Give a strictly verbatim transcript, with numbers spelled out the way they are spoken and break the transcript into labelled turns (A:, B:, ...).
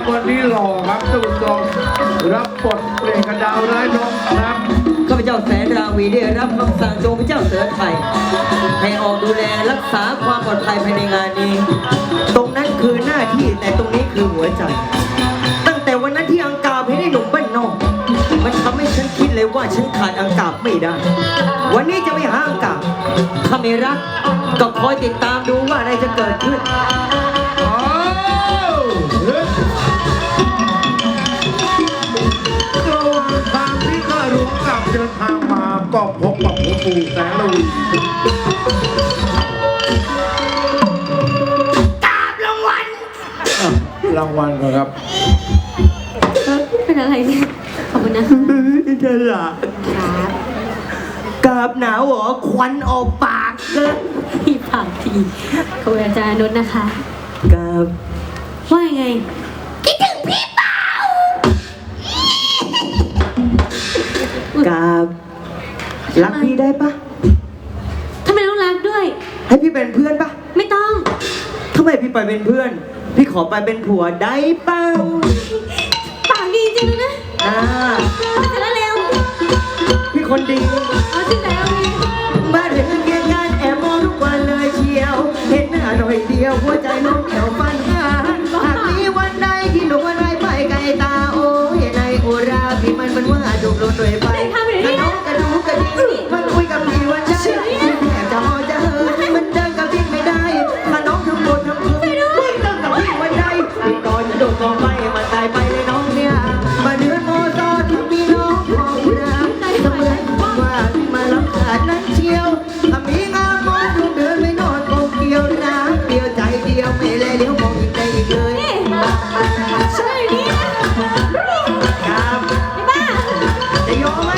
A: ครับวันนี้หล่อครับท่านผู้ชมรับบทเพลงกระดาวร้ายน้องครับ
B: ข้าพเจ้าแสนราวีได้รับคำสั่งจากพระเจ้าเสือไทยให้ออกดูแลรักษาความปลอดภัยภายในงานนี้ตรงนั้นคือหน้าที่แต่ตรงนี้คือหัวใจตั้งแต่วันนั้นที่อังกาบให้ได้หนุ่มบ้านนอกมันทำให้ฉันคิดเลยว่าฉันขาดอังกาบไม่ได้วันนี้จะไปหาอังกาบถ้าไม่รักก็คอยติดตามดูว่าอะไรจะเกิดขึ้น
A: ระหว่างทางที่ข้าหลวงกลับเดินทางมาก็พบกับหลวงปู่แสงระวี
C: กราบรางวัล
A: รางวัลครับ
C: เป็นอะไรเนี่ยขอบคุณนะ
B: เธอละ
C: ครับ
B: กราบหนาวเหรอควันออกปากเกิน
C: พี่ปากทีขอบคุณอาจารย์นุชนะคะ
B: กราบ
C: ว่ายังไงคิดถึงพี่เปล่าก
B: ราบรักพี่ได้ปะ
C: ทำไมต้องรักด้วย
B: ให้พี่เป็นเพื่อนปะ
C: ไม่ต้อง
B: ทำไมพี่ไปเป็นเพื่อนพี่ขอไปเป็นผัวได้เปล่า
C: ปากดีจริงเลยนะ
B: อ่า
C: แต่ละเร็ว
B: พี่คนดี
C: เอาจริงแล้ว
B: บ้านเด็กเกียรงานแอบมองทุกวันเลยเชียวเห็นหน้าหน่อยเดียวหัวใจน้องเขียวฟันหาหากมีวันใดที่หนูวันไรไปไกลตาโอ้ยในโอราพี่มันมันว่าถูกโดนด้วยไฟน้องกระดูกระดิ่งมันคุยกับพี่วันใจแอบจะมองจะเหินมันเดินกับพี่ไม่ได้ถ้าน้องทำบนทำคืนไม่เดินกับพี่วันใดพี่ก่อนจะโดนกองไฟมันตายไปเลยน้องเนี่ยมาเดือนโมซอที่มีน้องมองรักเสมือนว่าพี่มารับขาดนั้นเชียวถ้ามีงามมองดูเดินไม่นอนกองเกี่ยวนะเดียวใจเดียวไม่เลยเลี้ยวมองอีกได้อีกเลย
C: ใช่นี่
B: ครับ
C: บ้า
B: จะยอมไหม